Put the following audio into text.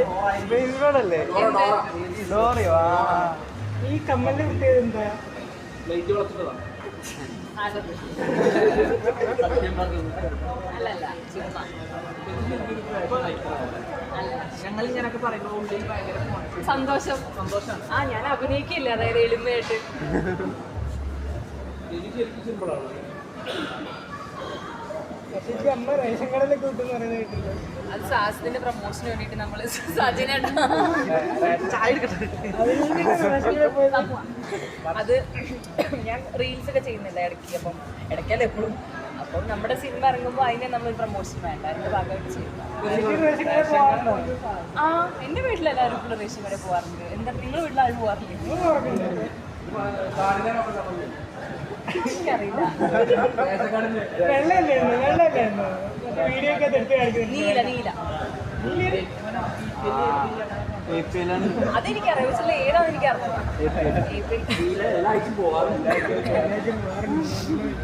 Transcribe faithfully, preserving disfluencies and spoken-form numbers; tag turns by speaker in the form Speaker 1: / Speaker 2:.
Speaker 1: ഈ കമ്മലിന്റെ പ്രത്യേകത എന്താ?
Speaker 2: ഞങ്ങൾ ഇങ്ങനൊക്കെ പറയുമ്പോൾ ഉള്ളിൽ ഭയങ്കര
Speaker 3: സന്തോഷം
Speaker 2: സന്തോഷം.
Speaker 3: ആ ഞാൻ അഭിനയിക്കില്ല, അതായത് എളിമയായിട്ട്.
Speaker 1: പക്ഷേ അമ്മ റേഷൻ കടയിലൊക്കെ കിട്ടുമെന്ന് പറയുന്നത് കേട്ടില്ല.
Speaker 3: അത് സാഹസത്തിന്റെ പ്രൊമോഷന് വേണ്ടിട്ട് നമ്മള് സജിനേട്ട അത് ഞാൻ റീൽസ് ഒക്കെ ചെയ്യുന്നില്ല ഇടയ്ക്ക്, അപ്പം ഇടയ്ക്കല്ല എപ്പോഴും. അപ്പം നമ്മുടെ സിനിമ ഇറങ്ങുമ്പോൾ അതിനെ നമ്മൾ പ്രൊമോഷൻ വേണ്ട, അതിന്റെ ഭാഗമായിട്ട് ചെയ്യുക. ആ എന്റെ വീട്ടിലെല്ലാവരും ഇപ്പോൾ റേഷൻ കടയിൽ പോകാറുണ്ട്. എന്താ നിങ്ങളുടെ വീട്ടിലാരും പോകാറില്ലേ? എനിക്കറിയില്ല.
Speaker 1: വെള്ളല്ലായിരുന്നു വെള്ളല്ലായിരുന്നു വീഡിയോ ഒക്കെ എടുത്ത് കാണിക്കുന്നത്.
Speaker 3: നീല നീല അതെനിക്കറിയാം, പക്ഷേ ഏതാണെന്ന് എനിക്കറിയാം.